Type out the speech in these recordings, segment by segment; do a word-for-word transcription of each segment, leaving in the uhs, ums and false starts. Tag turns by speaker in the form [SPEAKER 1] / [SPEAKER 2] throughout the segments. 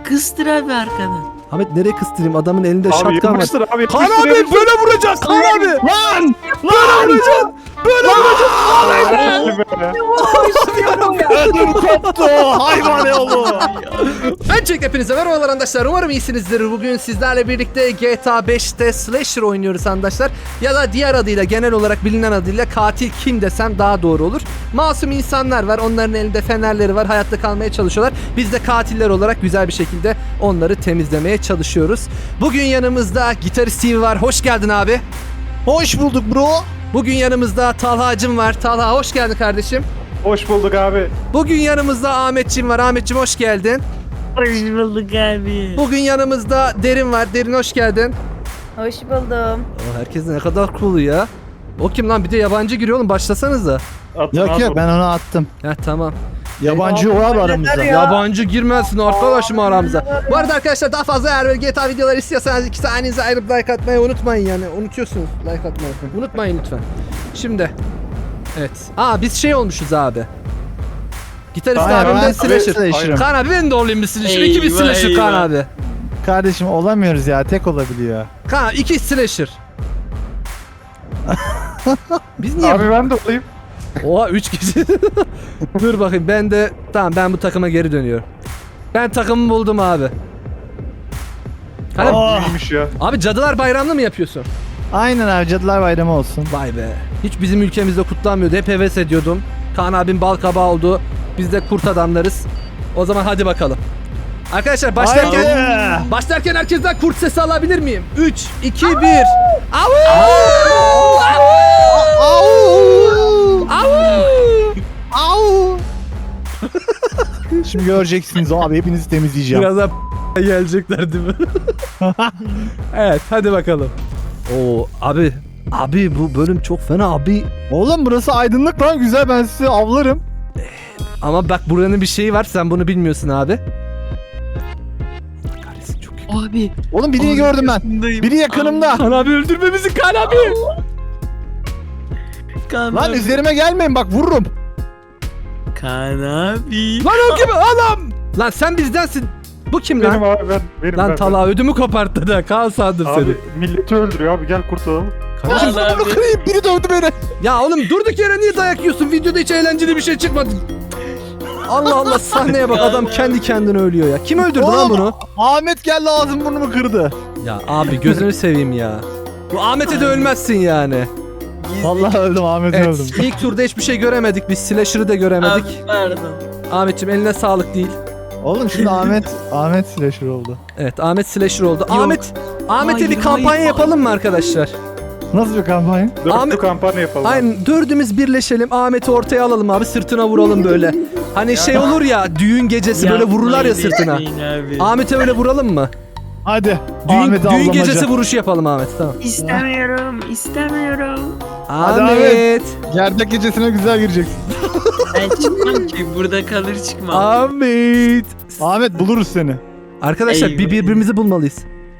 [SPEAKER 1] Kıstır abi arkadan.
[SPEAKER 2] Ahmet nereye kıstırayım? Adamın elinde
[SPEAKER 3] Abi
[SPEAKER 2] şatkan var.
[SPEAKER 3] yapıştır abi.
[SPEAKER 2] Kaan
[SPEAKER 3] yapıştır,
[SPEAKER 2] abi
[SPEAKER 3] yapıştır.
[SPEAKER 2] böyle vuracağız Kaan abi.
[SPEAKER 4] Lan!
[SPEAKER 2] Böyle vuracağız. Böyle vuracağız.
[SPEAKER 3] Hadi be.
[SPEAKER 4] Ödüm koptu. Hayvan oğlu.
[SPEAKER 2] Öncelikle hepinize merhabalar arkadaşlar. Umarım iyisinizdir. Bugün sizlerle birlikte G T A beşte Slasher oynuyoruz arkadaşlar. Ya da diğer adıyla, genel olarak bilinen adıyla katil kim desem daha doğru olur. Masum insanlar var. Onların elinde fenerleri var. Hayatta kalmaya çalışıyorlar. Biz de katiller olarak güzel bir şekilde onları temizlemeye çalışıyoruz. Bugün yanımızda gitarist Steve var. Hoş geldin abi.
[SPEAKER 4] Hoş bulduk bro.
[SPEAKER 2] Bugün yanımızda Talha'cım var. Talha hoş geldin kardeşim.
[SPEAKER 3] Hoş bulduk abi.
[SPEAKER 2] Bugün yanımızda Ahmetçim var. Ahmetçim hoş geldin.
[SPEAKER 1] Hoş bulduk abi.
[SPEAKER 2] Bugün yanımızda Derin var. Derin hoş geldin.
[SPEAKER 5] Hoş buldum.
[SPEAKER 2] Aa, herkes ne kadar cool ya. O kim lan? Bir de yabancı giriyor oğlum. Başlasanıza.
[SPEAKER 3] Atın
[SPEAKER 4] Yok
[SPEAKER 3] abi.
[SPEAKER 4] yok ben onu attım.
[SPEAKER 2] Heh tamam.
[SPEAKER 4] Yabancı yok abi aramızda.
[SPEAKER 5] Ya.
[SPEAKER 2] Yabancı girmezsin arkadaşım aramıza. Bu arada arkadaşlar daha fazla eğer böyle G T A videoları istiyorsanız iki saniyenizi ayırıp like atmayı unutmayın yani. Unutuyorsunuz like atmayı. Unutmayın lütfen. Şimdi. Evet. Aa biz şey olmuşuz abi. Gitarist
[SPEAKER 4] Aynen,
[SPEAKER 2] abim de
[SPEAKER 4] ben
[SPEAKER 2] slasher.
[SPEAKER 4] slasher'ım.
[SPEAKER 2] Kaan abi ben de olayım bir slasher. İki bir
[SPEAKER 1] Eyvah,
[SPEAKER 2] slasher Kaan
[SPEAKER 1] eyvah.
[SPEAKER 2] abi.
[SPEAKER 4] Kardeşim olamıyoruz ya, tek olabiliyor.
[SPEAKER 2] Kaan iki slasher. Biz niye?
[SPEAKER 3] Abi ben de olayım.
[SPEAKER 2] Oha üç kişi. Dur bakayım ben de tamam ben bu takıma geri dönüyorum. Ben takımı buldum abi. Hani,
[SPEAKER 4] Oh.
[SPEAKER 3] İyiymiş ya.
[SPEAKER 2] abi Cadılar Bayramı'nı mı yapıyorsun?
[SPEAKER 4] Aynen abi, Cadılar Bayramı olsun.
[SPEAKER 2] Vay be. Hiç bizim ülkemizde kutlanmıyordu. Hep heves ediyordum. Kaan abim bal kabağı oldu. Biz de kurt adamlarız. O zaman hadi bakalım. Arkadaşlar başlarken
[SPEAKER 4] Haydi.
[SPEAKER 2] başlarken herkesten kurt sesi alabilir miyim? üç, iki, bir. Au!
[SPEAKER 4] Au!
[SPEAKER 2] Au!
[SPEAKER 4] Au! Şimdi göreceksiniz abi, hepinizi temizleyeceğim.
[SPEAKER 2] Birazdan gelecekler değil mi? Evet hadi bakalım. Oo abi abi bu bölüm çok fena abi.
[SPEAKER 4] Oğlum burası aydınlık lan, güzel, ben sizi avlarım.
[SPEAKER 2] Ama bak buranın bir şeyi var, sen bunu bilmiyorsun abi. Kahretsin çok iyi.
[SPEAKER 1] Abi.
[SPEAKER 4] Oğlum birini gördüm ben. Biri yakınımda.
[SPEAKER 2] Kaan abi öldürmemizi Kaan abi.
[SPEAKER 1] Kaan
[SPEAKER 4] Lan
[SPEAKER 1] abi.
[SPEAKER 4] üzerime gelmeyin bak, vururum.
[SPEAKER 1] Kaan abi.
[SPEAKER 2] Lan o kim? Anam. Lan sen bizdensin. Bu kim
[SPEAKER 3] Benim
[SPEAKER 2] lan?
[SPEAKER 3] abi ben. Benim
[SPEAKER 2] Lan
[SPEAKER 3] ben.
[SPEAKER 2] Talha ödümü koparttı da Kaan sandım seni.
[SPEAKER 3] Abi milleti öldürüyor abi, gel kurtulalım.
[SPEAKER 2] Kardeşim,
[SPEAKER 1] Kaan abi.
[SPEAKER 4] Bunu kırayım, biri dövdü beni.
[SPEAKER 2] ya oğlum durduk yere niye dayak yiyorsun? Videoda hiç eğlenceli bir şey çıkmadı. Allah Allah, sahneye bak, adam kendi kendine ölüyor ya. Kim öldürdü lan bunu?
[SPEAKER 4] Ahmet geldi, ağzım burnumu kırdı.
[SPEAKER 2] Ya abi gözünü seveyim ya. Bu Ahmet'e de ölmezsin yani.
[SPEAKER 4] Vallahi öldüm, Ahmet
[SPEAKER 2] Evet,
[SPEAKER 4] öldüm.
[SPEAKER 2] ilk turda hiçbir şey göremedik. Biz Slasher'ı da göremedik.
[SPEAKER 1] Abi pardon.
[SPEAKER 2] Ahmetciğim eline sağlık değil.
[SPEAKER 4] Oğlum şimdi Ahmet Ahmet slasher oldu.
[SPEAKER 2] Evet, Ahmet Slasher oldu. Ahmet Ahmet'e
[SPEAKER 1] Hayır,
[SPEAKER 2] bir kampanya
[SPEAKER 1] hayır,
[SPEAKER 2] yapalım mı arkadaşlar?
[SPEAKER 4] Nasıl bir kampanya?
[SPEAKER 3] Dörtlü
[SPEAKER 2] Ahmet-
[SPEAKER 3] kampanya yapalım.
[SPEAKER 2] Aynen, dördümüz birleşelim. Ahmet'i ortaya alalım abi, sırtına vuralım böyle. Hani şey olur ya, düğün gecesi böyle vururlar ya sırtına.
[SPEAKER 1] Abi.
[SPEAKER 2] Ahmet'e öyle vuralım mı?
[SPEAKER 4] Hadi.
[SPEAKER 2] Düğün,
[SPEAKER 4] Ahmet'i
[SPEAKER 2] düğün
[SPEAKER 4] avlamaca.
[SPEAKER 2] gecesi vuruşu yapalım Ahmet, tamam.
[SPEAKER 1] İstemiyorum. istemiyorum.
[SPEAKER 4] Hadi
[SPEAKER 2] Ahmet.
[SPEAKER 4] Gerdek gecesine güzel gireceksin.
[SPEAKER 1] Ben çıkmam ki. Burada kalır çıkmam.
[SPEAKER 2] Ahmet.
[SPEAKER 4] Ahmet buluruz seni.
[SPEAKER 2] Arkadaşlar bir
[SPEAKER 1] Eyvah.
[SPEAKER 2] birbirimizi bulmalıyız.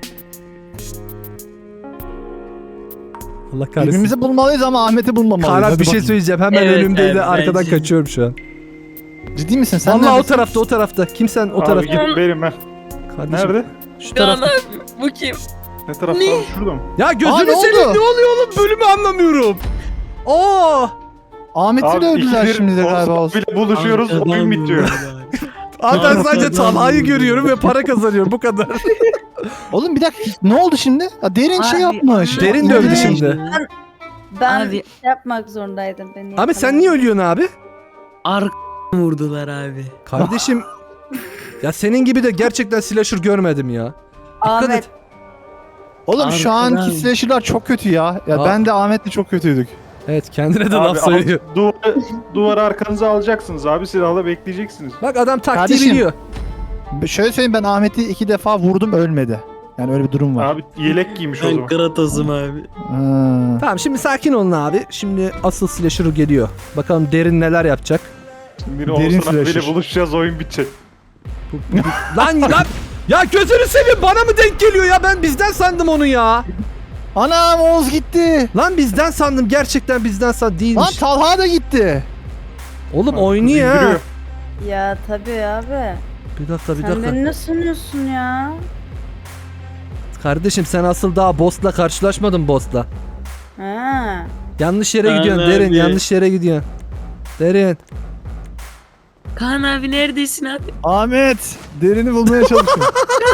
[SPEAKER 2] Allah kahretsin.
[SPEAKER 4] Birbirimizi bulmalıyız ama Ahmet'i bulmamalıyız.
[SPEAKER 2] Kaan abi
[SPEAKER 4] Hadi
[SPEAKER 2] bir şey
[SPEAKER 4] bakayım.
[SPEAKER 2] söyleyeceğim. Hemen
[SPEAKER 1] Evet
[SPEAKER 2] önümdeydi.
[SPEAKER 1] abi,
[SPEAKER 2] Arkadan
[SPEAKER 1] bence-
[SPEAKER 2] kaçıyorum şu an.
[SPEAKER 4] Ciddi misin sen?
[SPEAKER 2] Vallahi o
[SPEAKER 4] neredesin?
[SPEAKER 2] tarafta, o tarafta. Kimsen o
[SPEAKER 3] Abi
[SPEAKER 2] tarafta.
[SPEAKER 3] gidin benim ben.
[SPEAKER 2] Kardeşim,
[SPEAKER 3] Nerede?
[SPEAKER 2] şu
[SPEAKER 1] Kaan
[SPEAKER 2] tarafta.
[SPEAKER 1] abi. Bu kim?
[SPEAKER 3] Ne tarafta
[SPEAKER 1] Ne?
[SPEAKER 3] abi? Şurada mı?
[SPEAKER 2] Ya
[SPEAKER 4] Aa,
[SPEAKER 2] gözünü
[SPEAKER 4] ne
[SPEAKER 2] seveyim,
[SPEAKER 4] oldu?
[SPEAKER 2] ne oluyor oğlum? Bölümü anlamıyorum. Oo!
[SPEAKER 4] Ahmet'i de öldüler
[SPEAKER 3] ikidir
[SPEAKER 4] şimdi de galiba
[SPEAKER 3] olsa
[SPEAKER 4] olsun.
[SPEAKER 3] bile buluşuyoruz,
[SPEAKER 1] Arkadan
[SPEAKER 3] oyun bitiyor.
[SPEAKER 1] vurdular.
[SPEAKER 2] Abi ben sadece Talha'yı görüyorum ve para kazanıyorum, bu kadar.
[SPEAKER 4] Oğlum bir dakika, ne oldu şimdi? Ha, derin şey
[SPEAKER 1] Abi,
[SPEAKER 4] yapmış.
[SPEAKER 2] Derin
[SPEAKER 4] Ne
[SPEAKER 2] dövdü
[SPEAKER 4] derin?
[SPEAKER 2] şimdi.
[SPEAKER 5] Ben
[SPEAKER 1] Abi.
[SPEAKER 5] şey yapmak zorundaydım beni.
[SPEAKER 2] Abi sen niye ölüyorsun abi?
[SPEAKER 1] Ark vurdular abi.
[SPEAKER 2] Kardeşim. Ya senin gibi de gerçekten slasher görmedim ya. Dikkat
[SPEAKER 5] Ahmet.
[SPEAKER 2] et.
[SPEAKER 4] Oğlum şu
[SPEAKER 1] Arkadan.
[SPEAKER 4] anki slasher'lar çok kötü ya. Ya
[SPEAKER 2] Aa.
[SPEAKER 4] ben de Ahmet'le çok kötüydük.
[SPEAKER 2] Evet, kendine de
[SPEAKER 3] Abi
[SPEAKER 2] laf söylüyor.
[SPEAKER 3] al- duvarı, duvarı arkanıza alacaksınız abi, silahla bekleyeceksiniz.
[SPEAKER 2] Bak adam taktiği
[SPEAKER 4] Kardeşim.
[SPEAKER 2] biliyor.
[SPEAKER 4] Şöyle söyleyeyim, ben Ahmet'i iki defa vurdum, ölmedi. Yani öyle bir durum var.
[SPEAKER 3] Abi yelek giymiş o
[SPEAKER 1] Ben
[SPEAKER 3] zaman.
[SPEAKER 1] Kratos'um abi.
[SPEAKER 4] Ha.
[SPEAKER 2] Tamam, şimdi sakin olun abi. Şimdi asıl slasher geliyor. Bakalım Derin neler yapacak.
[SPEAKER 3] Biri
[SPEAKER 4] Derin
[SPEAKER 3] olsun abiyle
[SPEAKER 4] slasher.
[SPEAKER 3] buluşacağız, oyun bitecek.
[SPEAKER 2] Lan lan. Ya gözünü seveyim, bana mı denk geliyor ya? Ben bizden sandım onu ya.
[SPEAKER 4] Anam, Oğuz gitti.
[SPEAKER 2] Lan bizden sandım, gerçekten bizden sandım,
[SPEAKER 4] Lan
[SPEAKER 2] değilmiş.
[SPEAKER 4] Talha da gitti.
[SPEAKER 2] Oğlum
[SPEAKER 3] Kız
[SPEAKER 2] oynuyor ha.
[SPEAKER 3] indiriyor.
[SPEAKER 5] Ya tabii abi.
[SPEAKER 2] Bir dakika bir
[SPEAKER 5] Sen
[SPEAKER 2] dakika.
[SPEAKER 5] beni ne sanıyorsun ya?
[SPEAKER 2] Kardeşim sen asıl daha boss'la karşılaşmadın boss'la.
[SPEAKER 5] Ha.
[SPEAKER 2] Yanlış yere
[SPEAKER 1] Kaan
[SPEAKER 2] gidiyorsun Derin,
[SPEAKER 1] abi.
[SPEAKER 2] yanlış yere gidiyorsun. Derin.
[SPEAKER 1] Kaan abi neredesin abi?
[SPEAKER 4] Ahmet derini bulmaya çalışıyorum.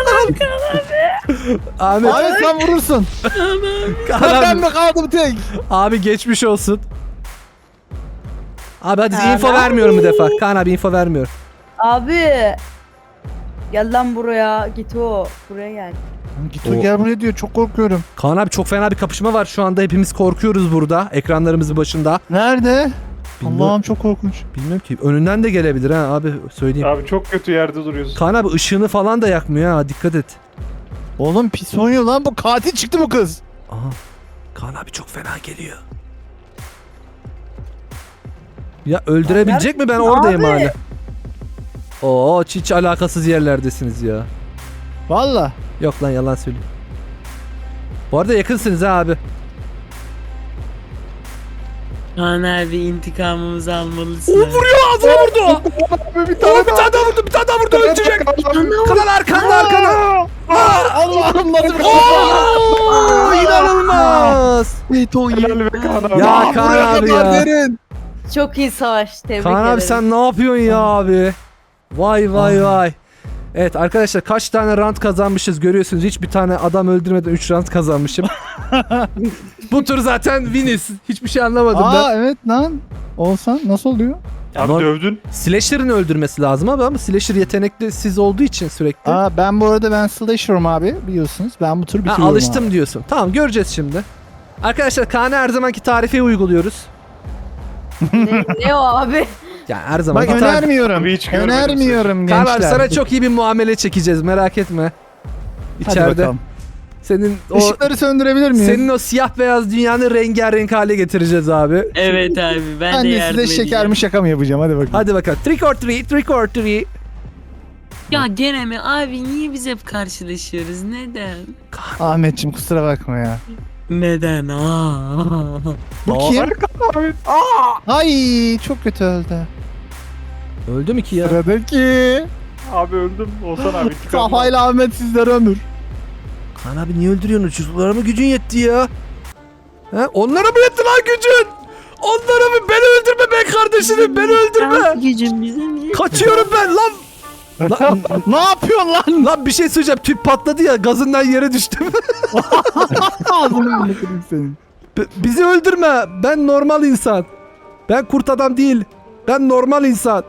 [SPEAKER 2] Ahmet.
[SPEAKER 4] Ahmet sen vurursun.
[SPEAKER 2] Kaan
[SPEAKER 4] ben
[SPEAKER 2] abi,
[SPEAKER 4] mi kaldım tek?
[SPEAKER 2] abi geçmiş olsun. Abi hadi
[SPEAKER 5] Kaan
[SPEAKER 2] info
[SPEAKER 5] abi.
[SPEAKER 2] vermiyorum bu defa. Kaan abi info vermiyor.
[SPEAKER 5] Abi. Gel lan buraya. Git o. Buraya gel.
[SPEAKER 4] Git
[SPEAKER 2] O-
[SPEAKER 4] o gel buraya diyor çok korkuyorum.
[SPEAKER 2] Kaan abi çok fena bir kapışma var şu anda. Hepimiz korkuyoruz burada. Ekranlarımızın başında.
[SPEAKER 4] Nerede?
[SPEAKER 2] Bilmiyorum.
[SPEAKER 4] Allah'ım çok korkunç.
[SPEAKER 2] Bilmiyorum ki. Önünden de gelebilir ha abi söyleyeyim.
[SPEAKER 3] Abi çok kötü yerde duruyorsun.
[SPEAKER 2] Kaan abi ışığını falan da yakmıyor ha. Dikkat et.
[SPEAKER 4] Oğlum pis oynuyor lan bu katil çıktı bu kız.
[SPEAKER 2] Aha. Kaan abi çok fena geliyor. Ya öldürebilecek mi? Ben oradayım
[SPEAKER 5] Abi.
[SPEAKER 2] hala. Oo hiç alakasız yerlerdesiniz ya.
[SPEAKER 4] Valla.
[SPEAKER 2] Yok lan yalan söylüyorum. Bu arada yakınsınız ha abi.
[SPEAKER 1] Kaan abi intikamımızı almalısın.
[SPEAKER 2] O
[SPEAKER 1] abi.
[SPEAKER 2] vuruyor ağzına vurdu.
[SPEAKER 3] Abi bir
[SPEAKER 2] Oo,
[SPEAKER 3] tane
[SPEAKER 2] bir tane daha vurdu bir tane daha vurdu ölecek. Kanal arkanda arkanda.
[SPEAKER 4] Allah'ım nasıl bir
[SPEAKER 2] Oo, inanılmaz.
[SPEAKER 3] Helal be Kaan abi.
[SPEAKER 2] Ya Kaan
[SPEAKER 4] Buraya
[SPEAKER 2] abi
[SPEAKER 4] kadar
[SPEAKER 2] ya.
[SPEAKER 4] derin.
[SPEAKER 5] Çok iyi savaş. Tebrik
[SPEAKER 2] Kaan
[SPEAKER 5] ederim.
[SPEAKER 2] abi sen ne yapıyorsun ya abi? Vay vay vay. Evet arkadaşlar kaç tane rant kazanmışız görüyorsunuz. Hiçbir tane adam öldürmeden üç rant kazanmışım. Bu tur zaten winiz. Hiçbir şey anlamadım ben.
[SPEAKER 4] Aa evet lan. Olsan nasıl oluyor?
[SPEAKER 3] Abi
[SPEAKER 2] Ama-
[SPEAKER 3] dövdün.
[SPEAKER 2] Slasher'ın öldürmesi lazım abi ama Slasher yetenekli siz olduğu için sürekli.
[SPEAKER 4] Aa ben bu arada ben slasher'ım abi biliyorsunuz. Ben bu tür
[SPEAKER 2] Ha,
[SPEAKER 4] bitiriyorum
[SPEAKER 2] alıştım
[SPEAKER 4] abi.
[SPEAKER 2] diyorsun. Tamam göreceğiz şimdi. Arkadaşlar Kaan'a her zamanki tarifi uyguluyoruz.
[SPEAKER 5] ne, ne o abi?
[SPEAKER 2] Yani her
[SPEAKER 4] Bak
[SPEAKER 2] zamanki tarifi.
[SPEAKER 4] önermiyorum.
[SPEAKER 3] Abi hiç görmedim
[SPEAKER 4] önermiyorum
[SPEAKER 2] Kaan
[SPEAKER 4] gençler.
[SPEAKER 2] abi sana çok iyi bir muamele çekeceğiz merak etme.
[SPEAKER 4] Hadi
[SPEAKER 2] İçeride.
[SPEAKER 4] bakalım.
[SPEAKER 2] Senin o
[SPEAKER 4] Işıkları söndürebilir miyim?
[SPEAKER 2] senin o siyah beyaz dünyanı rengarenk hale getireceğiz abi.
[SPEAKER 1] Evet abi ben,
[SPEAKER 4] ben
[SPEAKER 1] de
[SPEAKER 4] de
[SPEAKER 1] yardım
[SPEAKER 4] size
[SPEAKER 1] edeceğim.
[SPEAKER 4] şeker mi şaka mı yapacağım hadi bakalım.
[SPEAKER 2] Hadi bakalım. Trick or treat, trick or treat.
[SPEAKER 1] Ya gene mi abi niye biz hep karşılaşıyoruz neden?
[SPEAKER 4] Ahmetciğim kusura bakma ya.
[SPEAKER 1] Neden? Aa.
[SPEAKER 4] Bu
[SPEAKER 2] Aa,
[SPEAKER 4] kim?
[SPEAKER 3] Abi.
[SPEAKER 4] Ay çok kötü öldü.
[SPEAKER 2] Öldü mü ki ya?
[SPEAKER 4] Sıradaki.
[SPEAKER 3] Abi öldüm. Olsan abi. intikam al.
[SPEAKER 4] Kafayla Ahmet sizlere ömür.
[SPEAKER 2] Kaan abi niye öldürüyorsun? Çocuklara mı gücün yetti ya? He? Onlara mı yetti lan gücün? Onlara mı? Beni öldürme be kardeşim. Beni öldürme.
[SPEAKER 1] Gücüm bize niye?
[SPEAKER 2] Kaçıyorum ben lan. Lan,
[SPEAKER 4] Ne yapıyorsun lan?
[SPEAKER 2] lan bir şey söyleyeceğim. Tüp patladı ya. Gazından yere düştüm.
[SPEAKER 4] Ağzını bırakırım senin.
[SPEAKER 2] B- bizi öldürme. Ben normal insan. Ben kurt adam değil. Ben normal insan.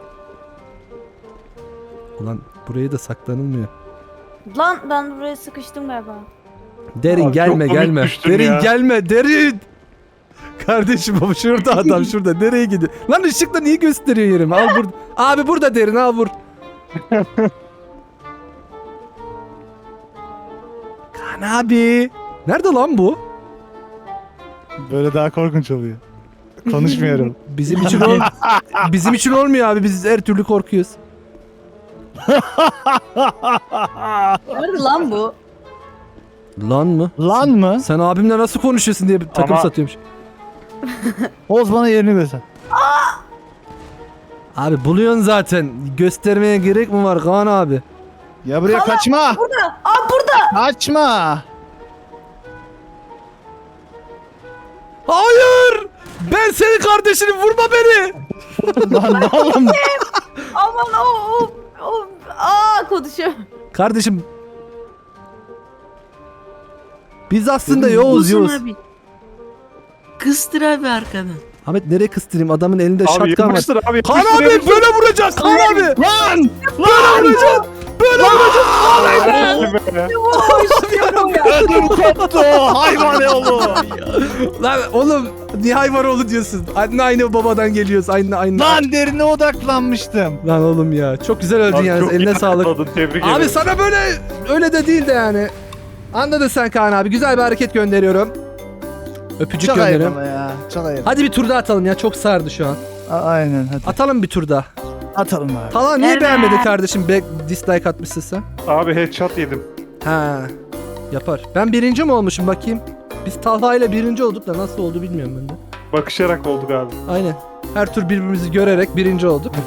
[SPEAKER 2] Ulan buraya da saklanılmıyor.
[SPEAKER 5] Lan ben buraya sıkıştım galiba.
[SPEAKER 2] Derin
[SPEAKER 3] Abi
[SPEAKER 2] gelme
[SPEAKER 3] çok komik
[SPEAKER 2] gelme.
[SPEAKER 3] düştün
[SPEAKER 2] Derin
[SPEAKER 3] ya.
[SPEAKER 2] gelme derin. Kardeşim baba şurada adam şurada. Nereye gidiyor? Lan ışıkla niye gösteriyor yerimi? Al burada. Abi burada derin al vur. Kaan abi. Nerede lan bu?
[SPEAKER 4] Böyle daha korkunç oluyor. Konuşmuyorum.
[SPEAKER 2] Bizim için ol Bizim için olmuyor abi. Biz her türlü korkuyoruz.
[SPEAKER 5] Nerede lan bu?
[SPEAKER 2] Lan mı?
[SPEAKER 4] Lan mı?
[SPEAKER 2] Sen abimle nasıl konuşuyorsun diye bir takım
[SPEAKER 3] Ama-
[SPEAKER 2] satıyormuş.
[SPEAKER 4] Oğuz bana yerini göster.
[SPEAKER 2] Abi buluyorsun zaten. Göstermeye gerek mi var Kaan abi?
[SPEAKER 4] Ya buraya kaçma.
[SPEAKER 5] Burada. Aa burada.
[SPEAKER 4] Kaçma.
[SPEAKER 2] Hayır! Ben senin kardeşini vurma beni.
[SPEAKER 4] Lan oğlum.
[SPEAKER 5] Aman o o o. Aa konuşuyor.
[SPEAKER 2] Kardeşim. Biz aslında
[SPEAKER 1] Bulsun
[SPEAKER 2] Yavuz Yavuz.
[SPEAKER 1] abi. Kıstır abi arkadan.
[SPEAKER 2] Ahmet nereye kıstırayım? Adamın elinde
[SPEAKER 3] Abi
[SPEAKER 2] şatkan var.
[SPEAKER 3] yapıştır abi.
[SPEAKER 2] Kaan
[SPEAKER 3] yapıştır,
[SPEAKER 2] abi
[SPEAKER 3] yapıştır.
[SPEAKER 2] böyle vuracak Kaan abi.
[SPEAKER 4] Lan.
[SPEAKER 2] Böyle vuracak. Böyle vuracak.
[SPEAKER 3] Helal be.
[SPEAKER 4] Ödüm koptu. Hayvan oğlu.
[SPEAKER 2] Lan oğlum niye hayvan oğlu diyorsun? Anne aynı babadan geliyoruz. Aynı aynı.
[SPEAKER 4] Lan derine odaklanmıştım.
[SPEAKER 2] Lan oğlum ya. Çok güzel öldün
[SPEAKER 3] Abi
[SPEAKER 2] yani.
[SPEAKER 3] çok
[SPEAKER 2] Eline
[SPEAKER 3] iyi
[SPEAKER 2] sağlık.
[SPEAKER 3] atladın, Tebrik
[SPEAKER 2] Abi
[SPEAKER 3] ederim.
[SPEAKER 2] sana böyle öyle de değil de yani. Anladın sen Kaan abi. Güzel bir hareket gönderiyorum. Öpücük
[SPEAKER 4] Çok ayıp
[SPEAKER 2] gönderiyorum.
[SPEAKER 4] ama ya. Çok ayıp.
[SPEAKER 2] Hadi bir tur daha atalım ya. Çok sardı şu an.
[SPEAKER 4] A- Aynen hadi.
[SPEAKER 2] Atalım bir tur daha.
[SPEAKER 4] Atalım abi.
[SPEAKER 2] Talha niye
[SPEAKER 1] Evet.
[SPEAKER 2] beğenmedin kardeşim? Be dislike atmışsın sen.
[SPEAKER 3] Abi headshot yedim.
[SPEAKER 2] Ha. Yapar. Ben birinci mi olmuşum bakayım? Biz Talha ile birinci olduk da nasıl oldu bilmiyorum ben de.
[SPEAKER 3] Bakışarak olduk abi.
[SPEAKER 2] Aynen. Her tur birbirimizi görerek birinci olduk.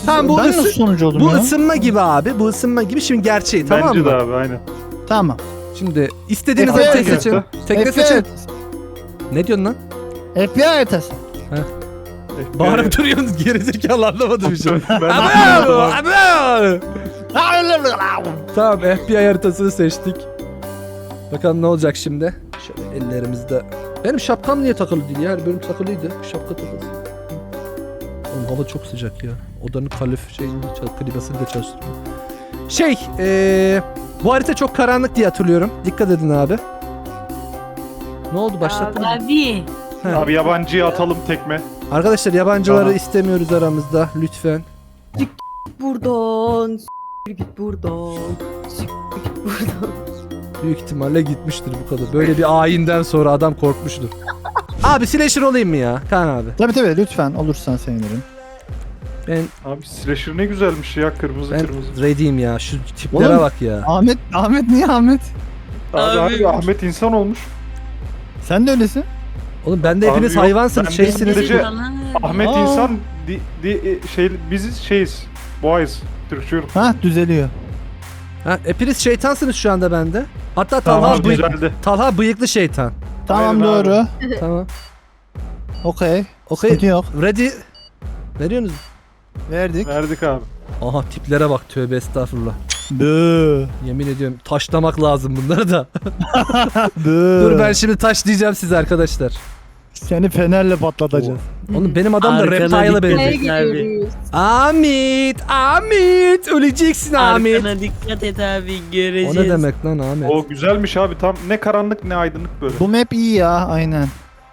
[SPEAKER 2] Tamam, bu
[SPEAKER 4] ben
[SPEAKER 2] ısı-
[SPEAKER 4] nasıl sonucu oldum
[SPEAKER 2] Bu
[SPEAKER 4] ya?
[SPEAKER 2] ısınma gibi abi. Bu ısınma gibi. Şimdi gerçeği tamam
[SPEAKER 3] Bence
[SPEAKER 2] mı?
[SPEAKER 3] de abi aynen.
[SPEAKER 4] Tamam.
[SPEAKER 2] Şimdi istediğiniz
[SPEAKER 4] F B I
[SPEAKER 2] haritayı
[SPEAKER 3] haritası.
[SPEAKER 2] seçin. Tekne
[SPEAKER 4] F B I
[SPEAKER 2] seçin.
[SPEAKER 4] haritası.
[SPEAKER 2] Ne diyorsun lan?
[SPEAKER 4] F B I haritası.
[SPEAKER 2] Bağırıp duruyorsunuz gerizekalı anlamadım bir şey.
[SPEAKER 3] Ben de
[SPEAKER 2] Abo!
[SPEAKER 3] anlamadım
[SPEAKER 2] Abo! Tamam F B I haritasını seçtik. Bakalım ne olacak şimdi. Şöyle ellerimizde. Benim şapkam niye takılı değil ya? Her bölüm takılıydı. Şapka takılsın. Oğlum hava çok sıcak ya. Odanın kalif şeyini, klibasını da çalıştırıyor. Şey, ee, bu harita çok karanlık diye hatırlıyorum. Dikkat edin abi. Ne oldu başlattın mı?
[SPEAKER 1] Abi.
[SPEAKER 2] He.
[SPEAKER 3] Abi yabancıya atalım tekme.
[SPEAKER 2] Arkadaşlar yabancıları
[SPEAKER 3] Tamam.
[SPEAKER 2] istemiyoruz aramızda lütfen.
[SPEAKER 5] Buradan. S**t git buradan. S**t git buradan.
[SPEAKER 2] Büyük ihtimalle gitmiştir bu kadar. Böyle bir ayinden sonra adam korkmuştur. Abi slasher olayım mı ya? Kaan abi.
[SPEAKER 4] Tabii tabii lütfen olursan sevinirim.
[SPEAKER 2] Ben
[SPEAKER 3] Abi slasher ne güzelmiş ya, kırmızı
[SPEAKER 2] ben
[SPEAKER 3] kırmızı.
[SPEAKER 2] ready'im ya. Şu tiplere
[SPEAKER 4] Oğlum.
[SPEAKER 2] bak ya.
[SPEAKER 4] Ahmet, Ahmet niye Ahmet?
[SPEAKER 3] Abi,
[SPEAKER 1] Abi.
[SPEAKER 3] abi Ahmet insan olmuş.
[SPEAKER 4] Sen de öylesin.
[SPEAKER 2] Oğlum ben de
[SPEAKER 3] Abi
[SPEAKER 2] hepiniz
[SPEAKER 3] yok,
[SPEAKER 2] hayvansınız,
[SPEAKER 3] ben de
[SPEAKER 2] şeysiniz.
[SPEAKER 3] sadece- Ahmet
[SPEAKER 4] Aa.
[SPEAKER 3] insan di, di, şey biziz şeyiz. Boğayız. Türkçüyorum.
[SPEAKER 4] Ha düzeliyor.
[SPEAKER 2] Ha, hepiniz şeytansınız şu anda bende. Hatta Talha,
[SPEAKER 4] Tamam,
[SPEAKER 3] Abi
[SPEAKER 2] bıy-
[SPEAKER 3] güzeldi.
[SPEAKER 2] Talha bıyıklı şeytan.
[SPEAKER 4] Tamam
[SPEAKER 3] Aynen abi.
[SPEAKER 4] doğru.
[SPEAKER 2] Tamam.
[SPEAKER 4] Okey.
[SPEAKER 2] Okey.
[SPEAKER 4] Sıkıntı yok.
[SPEAKER 2] Ready. Veriyorsunuz.
[SPEAKER 4] Verdik.
[SPEAKER 3] Verdik abi.
[SPEAKER 2] Aha tiplere bak, tövbe estağfurullah.
[SPEAKER 4] Bıı.
[SPEAKER 2] Yemin ediyorum taşlamak lazım bunları da.
[SPEAKER 4] Bıı.
[SPEAKER 2] Dur ben şimdi taşlayacağım sizi arkadaşlar.
[SPEAKER 4] Seni fenerle patlatacağız.
[SPEAKER 2] Oğlum benim adam da
[SPEAKER 1] Arkana
[SPEAKER 2] reptile'a
[SPEAKER 1] dikkat
[SPEAKER 2] benziyor.
[SPEAKER 1] et.
[SPEAKER 5] Neye
[SPEAKER 1] Abi.
[SPEAKER 5] gidiyoruz?
[SPEAKER 2] Ahmet, Ahmet, öleceksin Ahmet.
[SPEAKER 1] Arkana dikkat et abi,
[SPEAKER 2] O
[SPEAKER 1] göreceğiz.
[SPEAKER 2] ne demek lan Ahmet?
[SPEAKER 3] O güzelmiş abi, tam ne karanlık ne aydınlık böyle.
[SPEAKER 4] Bu map iyi ya aynen.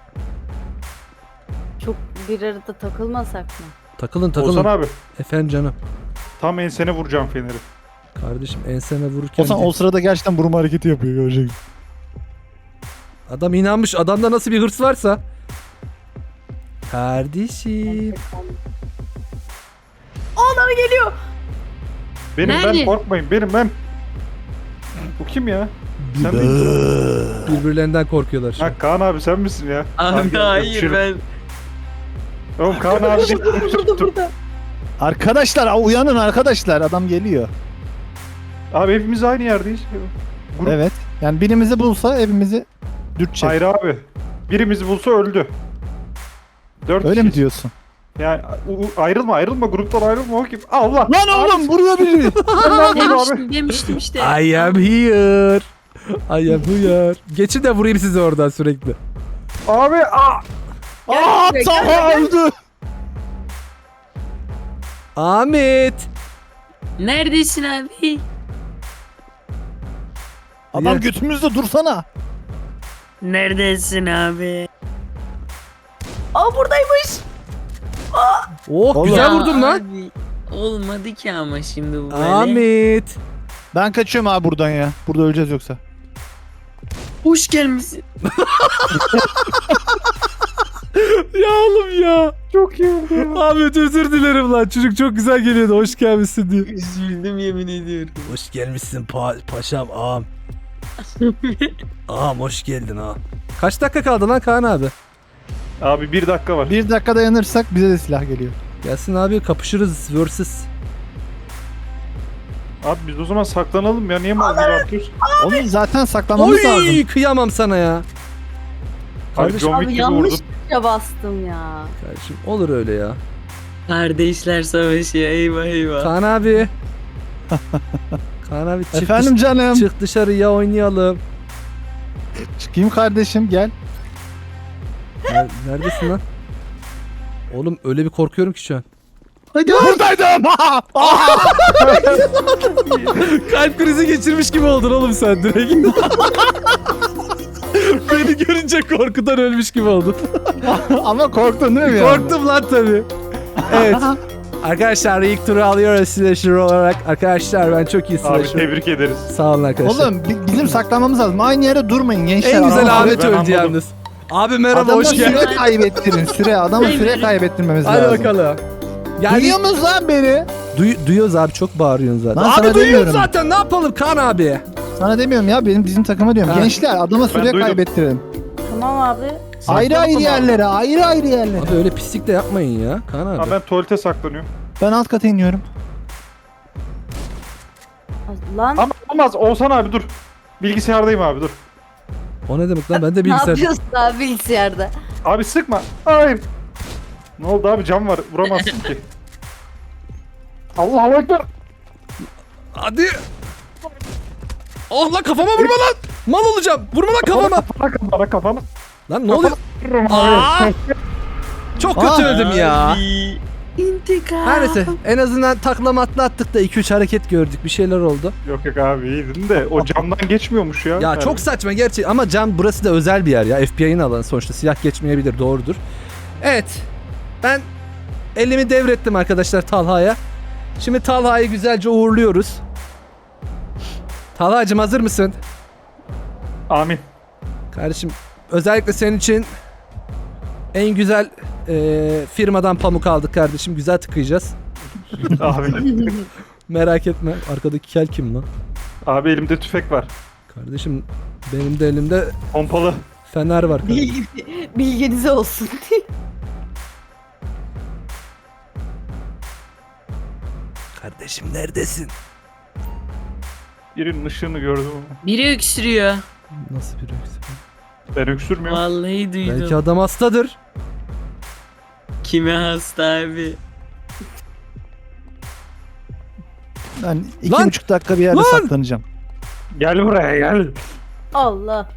[SPEAKER 5] Çok bir arada takılmasak mı?
[SPEAKER 2] Takılın takılın.
[SPEAKER 3] Olsan abi
[SPEAKER 2] Efendim canım.
[SPEAKER 3] tam ensene vuracağım feneri.
[SPEAKER 2] Kardeşim enseme vururken
[SPEAKER 4] O, o sırada gerçekten vurma hareketi yapıyor görecek.
[SPEAKER 2] adam inanmış. Adamda nasıl bir hırs varsa. Kardeşim.
[SPEAKER 5] Onlar geliyor.
[SPEAKER 3] Benim
[SPEAKER 1] Nerede?
[SPEAKER 3] ben, korkmayın benim ben. Bu kim ya? Sen de
[SPEAKER 2] Birbirlerinden korkuyorlar şu an.
[SPEAKER 3] Ha Kaan abi sen misin ya?
[SPEAKER 1] Abi
[SPEAKER 3] gel,
[SPEAKER 1] hayır
[SPEAKER 3] öpüşelim.
[SPEAKER 1] ben.
[SPEAKER 3] Oğlum Kaan abi değil.
[SPEAKER 5] Burada burada.
[SPEAKER 4] Arkadaşlar aa, uyanın arkadaşlar adam geliyor.
[SPEAKER 3] Abi hepimiz aynı yerdeyiz. Grup
[SPEAKER 4] Evet. Yani birimizi bulsa hepimizi dürtecek.
[SPEAKER 3] Hayır abi. Birimizi bulsa öldü. Dört
[SPEAKER 4] Öyle mi
[SPEAKER 3] kişiyiz.
[SPEAKER 4] diyorsun?
[SPEAKER 3] Yani u- u- ayrılma ayrılma gruptan ayrılma o kim? Allah.
[SPEAKER 4] Lan oğlum vuruyor bizi.
[SPEAKER 3] Allah abi.
[SPEAKER 1] Demiştim demiştim işte.
[SPEAKER 2] I am here. I am here. Geçin de vurayım sizi oradan sürekli.
[SPEAKER 3] Abi aa.
[SPEAKER 4] Aa
[SPEAKER 5] Gel,
[SPEAKER 4] Taha öldü.
[SPEAKER 2] Ahmet.
[SPEAKER 1] Neredesin abi?
[SPEAKER 4] Adam
[SPEAKER 2] Ya.
[SPEAKER 4] götümüzde dursana.
[SPEAKER 1] Neredesin abi?
[SPEAKER 5] Aa buradaymış.
[SPEAKER 2] Oh
[SPEAKER 4] Oğlum.
[SPEAKER 2] güzel
[SPEAKER 1] Ya
[SPEAKER 2] vurdum lan.
[SPEAKER 1] abi, olmadı ki ama şimdi bu böyle.
[SPEAKER 2] Ahmet.
[SPEAKER 4] Ben kaçıyorum abi buradan ya. Burada öleceğiz yoksa.
[SPEAKER 1] Hoş gelmişsin.
[SPEAKER 2] Ya oğlum ya.
[SPEAKER 3] Çok iyi oldu ya.
[SPEAKER 2] Ahmet özür dilerim lan. Çocuk çok güzel geliyordu. Hoş gelmişsin diye.
[SPEAKER 1] Üzüldüm yemin ediyorum.
[SPEAKER 2] Hoş gelmişsin pa paşam ağam. Ağam hoş geldin ağam. Kaç dakika kaldı lan Kaan abi?
[SPEAKER 3] Abi bir dakika var.
[SPEAKER 4] Bir dakika dayanırsak bize de silah geliyor.
[SPEAKER 2] Gelsin abi kapışırız versus.
[SPEAKER 3] Abi biz o zaman saklanalım ya. Niye mal gibi atıyorsun?
[SPEAKER 4] Oğlum zaten saklanmamız lazım.
[SPEAKER 2] Oy kıyamam sana ya.
[SPEAKER 3] Abi
[SPEAKER 2] Kardeşim,
[SPEAKER 3] John
[SPEAKER 5] Abi
[SPEAKER 3] Wick gibi
[SPEAKER 5] yanlış
[SPEAKER 3] vurdum.
[SPEAKER 5] tuşa bastım ya.
[SPEAKER 2] kardeşim olur öyle ya.
[SPEAKER 1] Kardeşler savaşıyor, eyvah eyvah.
[SPEAKER 2] Kaan abi. Kaan abi çık,
[SPEAKER 4] Efendim canım.
[SPEAKER 2] dış- çık dışarıya oynayalım.
[SPEAKER 4] Çıkayım kardeşim gel.
[SPEAKER 2] Ner- Neredesin lan? Oğlum öyle bir korkuyorum ki şu an.
[SPEAKER 1] Hadi
[SPEAKER 4] Buradaydım.
[SPEAKER 2] Kalp krizi geçirmiş gibi oldun oğlum sen direkt. Beni görünce korkudan ölmüş gibi oldun.
[SPEAKER 4] Ama korktun değil mi ya?
[SPEAKER 2] Korktum lan tabii. Evet. Arkadaşlar ilk turu alıyoruz slasher olarak. Arkadaşlar ben çok iyi
[SPEAKER 3] Abi
[SPEAKER 2] slasher.
[SPEAKER 3] tebrik ederiz.
[SPEAKER 2] Sağ olun arkadaşlar.
[SPEAKER 4] Oğlum bi- bizim saklanmamız lazım. Aynı yere durmayın gençler.
[SPEAKER 2] en güzel
[SPEAKER 4] Adamı-
[SPEAKER 2] Ahmet
[SPEAKER 3] ben
[SPEAKER 2] öldü
[SPEAKER 3] anladım.
[SPEAKER 2] yalnız. Abi merhaba
[SPEAKER 4] Adama
[SPEAKER 2] hoş geldin.
[SPEAKER 4] süre kaybettirin süre. Adama süre kaybettirmemiz
[SPEAKER 2] Hadi
[SPEAKER 4] lazım.
[SPEAKER 2] bakalım. Yani
[SPEAKER 4] Duyuyor musunuz lan beni?
[SPEAKER 2] duy- duyuyoruz abi çok bağırıyorsun zaten.
[SPEAKER 4] Lan sana
[SPEAKER 2] Abi duyuyoruz
[SPEAKER 4] demiyorum.
[SPEAKER 2] zaten ne yapalım Kaan abi.
[SPEAKER 4] Sana demiyorum ya benim bizim takıma diyorum.
[SPEAKER 2] Ha.
[SPEAKER 4] Gençler adama süre
[SPEAKER 3] duydum.
[SPEAKER 4] kaybettirin.
[SPEAKER 5] Tamam abi.
[SPEAKER 4] Ayrı ayrı yerlere, ayrı ayrı yerlere.
[SPEAKER 2] Abi öyle pislik de yapmayın ya Kaan abi.
[SPEAKER 3] Abi ben tuvalete saklanıyorum.
[SPEAKER 4] Ben alt kata iniyorum.
[SPEAKER 5] Lan
[SPEAKER 3] Ama olmaz. Oğuzhan abi dur. Bilgisayardayım abi dur.
[SPEAKER 2] O ne demek lan? Ben de
[SPEAKER 5] ne
[SPEAKER 2] bilgisayar.
[SPEAKER 5] yapıyorsun abi bilgisayarda?
[SPEAKER 3] Abi sıkma. Hayır. Ne oldu abi, cam var. Vuramazsın ki. Allahu Ekber.
[SPEAKER 2] Hadi. Allah kafama vurma lan. Mal olacağım. Vurma lan kafama.
[SPEAKER 3] Kafana kafana kafana.
[SPEAKER 2] Lan ne oluyor?
[SPEAKER 3] Vururum
[SPEAKER 2] Aa!
[SPEAKER 3] abi.
[SPEAKER 2] Çok kötü
[SPEAKER 4] Aa.
[SPEAKER 2] öldüm ya.
[SPEAKER 1] Abi, İntikam.
[SPEAKER 2] Her neyse en azından taklama atlattık da iki üç hareket gördük. Bir şeyler oldu.
[SPEAKER 3] Yok yok abi iyiydin de o camdan geçmiyormuş ya.
[SPEAKER 2] Ya
[SPEAKER 3] Yani.
[SPEAKER 2] çok saçma gerçi ama cam burası da özel bir yer ya. F B I'nin alanı sonuçta silah geçmeyebilir, doğrudur. Evet. Ben elimi devrettim arkadaşlar Talha'ya. Şimdi Talha'yı güzelce uğurluyoruz. Talha'cığım hazır mısın?
[SPEAKER 3] Amin.
[SPEAKER 2] Kardeşim özellikle senin için en güzel eee, firmadan pamuk aldık kardeşim. Güzel tıkayacağız.
[SPEAKER 3] Abi.
[SPEAKER 2] Merak etme. Arkadaki kel kim lan?
[SPEAKER 3] Abi elimde tüfek var.
[SPEAKER 2] Kardeşim benim de elimde
[SPEAKER 3] Pompalı.
[SPEAKER 2] fener var. kardeşim.
[SPEAKER 5] Bilgi, bilginiz olsun.
[SPEAKER 2] Kardeşim neredesin?
[SPEAKER 3] Birinin ışığını gördüm ama.
[SPEAKER 1] Biri öksürüyor.
[SPEAKER 2] Nasıl bir öksürük?
[SPEAKER 3] Ben öksürmüyorum.
[SPEAKER 1] Vallahi duydum.
[SPEAKER 2] Belki adam hastadır.
[SPEAKER 1] Kime hasta abi?
[SPEAKER 4] Ben iki
[SPEAKER 2] Lan!
[SPEAKER 4] buçuk dakika bir yerde
[SPEAKER 2] Lan!
[SPEAKER 4] saklanacağım.
[SPEAKER 3] Gel buraya gel.
[SPEAKER 5] Allah.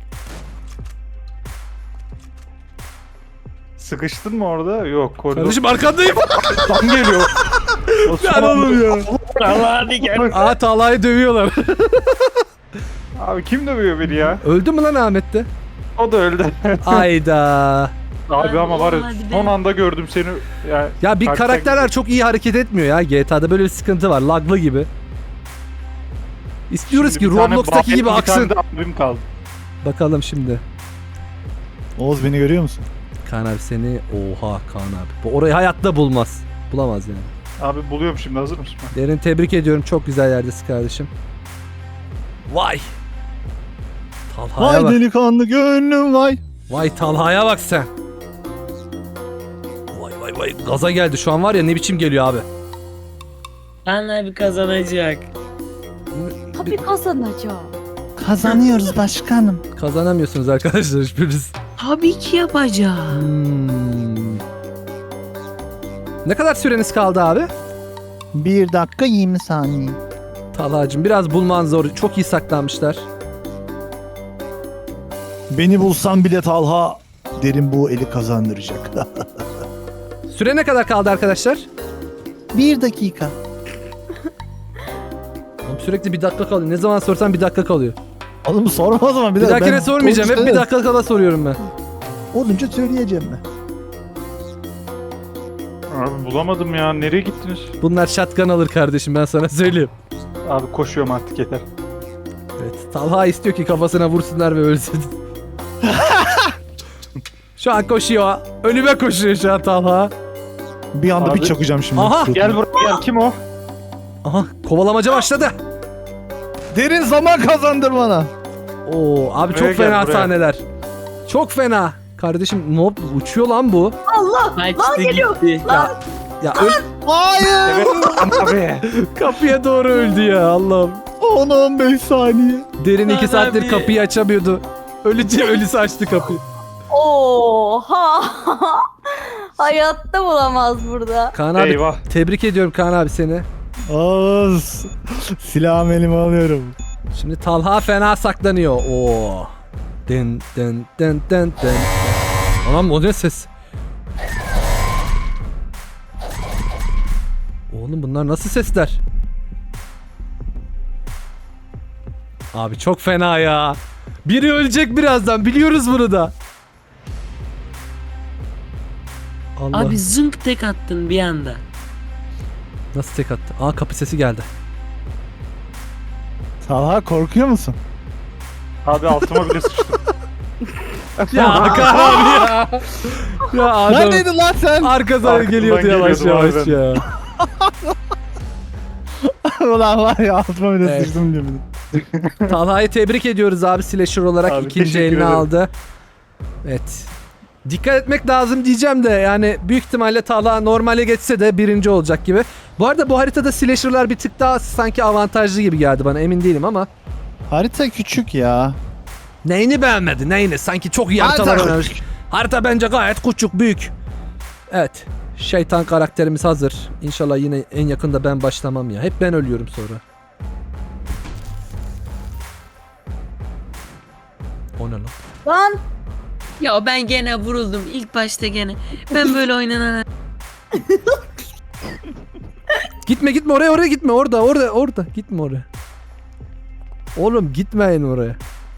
[SPEAKER 3] Sıkıştın mı orada? Yok koridor.
[SPEAKER 2] Kardeşim arkandayım.
[SPEAKER 3] Tam geliyor.
[SPEAKER 2] Lan oğlum ya.
[SPEAKER 3] Allah hadi gel.
[SPEAKER 2] Aa Talha'yı dövüyorlar.
[SPEAKER 3] Abi kim dövüyor beni ya?
[SPEAKER 2] Öldü mü lan Ahmet de?
[SPEAKER 3] O da öldü.
[SPEAKER 2] Ayda.
[SPEAKER 3] Abi ama var ya
[SPEAKER 1] Hadi be.
[SPEAKER 3] son anda gördüm seni. Yani
[SPEAKER 2] Ya bir
[SPEAKER 3] Kalpten
[SPEAKER 2] karakterler çok iyi hareket etmiyor ya G T A'da böyle bir sıkıntı var. Laglı gibi. İstiyoruz
[SPEAKER 3] Şimdi
[SPEAKER 2] ki
[SPEAKER 3] bir tane
[SPEAKER 2] Roblox'taki
[SPEAKER 3] Bahri,
[SPEAKER 2] gibi
[SPEAKER 3] bir
[SPEAKER 2] aksın.
[SPEAKER 3] tane de abim kaldı.
[SPEAKER 2] Bakalım şimdi.
[SPEAKER 4] Oğuz beni görüyor musun?
[SPEAKER 2] Kaan abi seni... Oha Kaan abi. Bu orayı hayatta bulmaz. Bulamaz yani.
[SPEAKER 3] Abi buluyorum şimdi, hazır mısın?
[SPEAKER 2] Derin tebrik ediyorum. Çok güzel yerdesin kardeşim. Vay. Talha'ya
[SPEAKER 4] Vay
[SPEAKER 2] bak.
[SPEAKER 4] delikanlı gönlüm vay.
[SPEAKER 2] Vay Talha'ya bak sen. Vay vay vay. Gaza geldi şu an var ya, ne biçim geliyor abi.
[SPEAKER 1] Kaan abi kazanacak.
[SPEAKER 5] Tabii kazanacağım.
[SPEAKER 4] Kazanıyoruz başkanım.
[SPEAKER 2] Kazanamıyorsunuz arkadaşlar hiçbiriniz.
[SPEAKER 1] Tabii ki yapacağım.
[SPEAKER 2] Hmm. Ne kadar süreniz kaldı abi?
[SPEAKER 4] Bir dakika yirmi saniye.
[SPEAKER 2] Talha'cığım biraz bulman zor. Çok iyi saklanmışlar.
[SPEAKER 4] Beni bulsam bile Talha derin bu eli kazandıracak.
[SPEAKER 2] Süre ne kadar kaldı arkadaşlar?
[SPEAKER 4] Bir dakika.
[SPEAKER 2] Oğlum sürekli bir dakika kalıyor. Ne zaman sorsam bir dakika kalıyor.
[SPEAKER 4] Oğlum sorma o zaman.
[SPEAKER 2] Bir
[SPEAKER 4] daha-
[SPEAKER 2] dahakine
[SPEAKER 4] ben
[SPEAKER 2] sormayacağım. Hep bir
[SPEAKER 4] olunca-
[SPEAKER 2] dakika kala soruyorum ben.
[SPEAKER 4] Olunca söyleyeceğim ben.
[SPEAKER 3] Abi bulamadım ya, nereye gittiniz?
[SPEAKER 2] Bunlar şatkan alır kardeşim, ben sana söyleyeyim.
[SPEAKER 3] Abi koşuyorum artık, yeter.
[SPEAKER 2] Evet. Talha istiyor ki kafasına vursunlar ve ölsün. Şu an koşuyor. Önüme koşuyor şu an Talha.
[SPEAKER 4] Bir anda
[SPEAKER 3] Abi-
[SPEAKER 4] bir çakacağım şimdi.
[SPEAKER 2] Aha!
[SPEAKER 4] Suratına.
[SPEAKER 3] Gel buraya gel, kim o?
[SPEAKER 2] Aha kovalamaca başladı.
[SPEAKER 4] Derin zaman kazandır bana.
[SPEAKER 2] Oo abi
[SPEAKER 3] Buraya
[SPEAKER 2] çok
[SPEAKER 3] gel,
[SPEAKER 2] fena
[SPEAKER 3] buraya.
[SPEAKER 2] sahneler. Çok fena. Kardeşim ne yap- uçuyor lan bu.
[SPEAKER 5] Allah.
[SPEAKER 1] Kaçtı gitti.
[SPEAKER 2] Ya ya öl
[SPEAKER 4] Hayır.
[SPEAKER 3] Evet abi.
[SPEAKER 2] kapıya doğru öldü ya Allah'ım.
[SPEAKER 4] on on beş saniye.
[SPEAKER 2] Derin iki
[SPEAKER 1] Lan
[SPEAKER 2] saattir
[SPEAKER 1] abi.
[SPEAKER 2] kapıyı açamıyordu. Ölüce ölüsü açtı kapıyı.
[SPEAKER 5] Oha. Hayatta bulamaz burada.
[SPEAKER 2] Kaan abi
[SPEAKER 3] Eyvah.
[SPEAKER 2] tebrik ediyorum Kaan abi seni.
[SPEAKER 4] Oğuz. Silahımı elime alıyorum.
[SPEAKER 2] Şimdi Talha fena saklanıyor. Oo. Den den den den den. Anam o ne ses? Oğlum bunlar nasıl sesler? Abi çok fena ya. Biri ölecek birazdan, biliyoruz bunu da. Allah.
[SPEAKER 1] Abi zınk tek attın bir anda.
[SPEAKER 2] Nasıl tek attı? Aa kapı sesi geldi.
[SPEAKER 4] Talha korkuyor musun?
[SPEAKER 3] Abi altıma bile sıçtım.
[SPEAKER 2] Ya Kaan abi ya. Ya adam.
[SPEAKER 4] Neredeydin lan sen?
[SPEAKER 2] Arkadan
[SPEAKER 3] Arkadan
[SPEAKER 2] geliyordu yavaş
[SPEAKER 3] geliyordum
[SPEAKER 2] yavaş
[SPEAKER 3] harbiden.
[SPEAKER 2] ya.
[SPEAKER 4] Ulan var ya altıma bile
[SPEAKER 2] Evet.
[SPEAKER 4] sıçtım gibi.
[SPEAKER 2] Talha'yı tebrik ediyoruz abi, slasher olarak
[SPEAKER 3] Abi,
[SPEAKER 2] ikinci
[SPEAKER 3] teşekkür
[SPEAKER 2] eline
[SPEAKER 3] ederim.
[SPEAKER 2] aldı. Evet. Dikkat etmek lazım diyeceğim de yani büyük ihtimalle Talha normale geçse de birinci olacak gibi. Bu arada bu haritada slasher'lar bir tık daha sanki avantajlı gibi geldi bana, emin değilim ama.
[SPEAKER 4] Harita küçük ya.
[SPEAKER 2] Neyini beğenmedi neyini? Sanki çok iyi haritalar
[SPEAKER 4] Harita
[SPEAKER 2] oynamış. Harita bence gayet küçük, büyük. Evet. Şeytan karakterimiz hazır. İnşallah yine en yakında ben başlamam ya. Hep ben ölüyorum sonra. O ne lan?
[SPEAKER 5] Lan
[SPEAKER 1] Ya ben gene vuruldum ilk başta gene. Ben böyle oynanan...
[SPEAKER 2] Gitme gitme oraya oraya gitme. Orada orada orada. Gitme oraya. Oğlum gitmeyin oraya.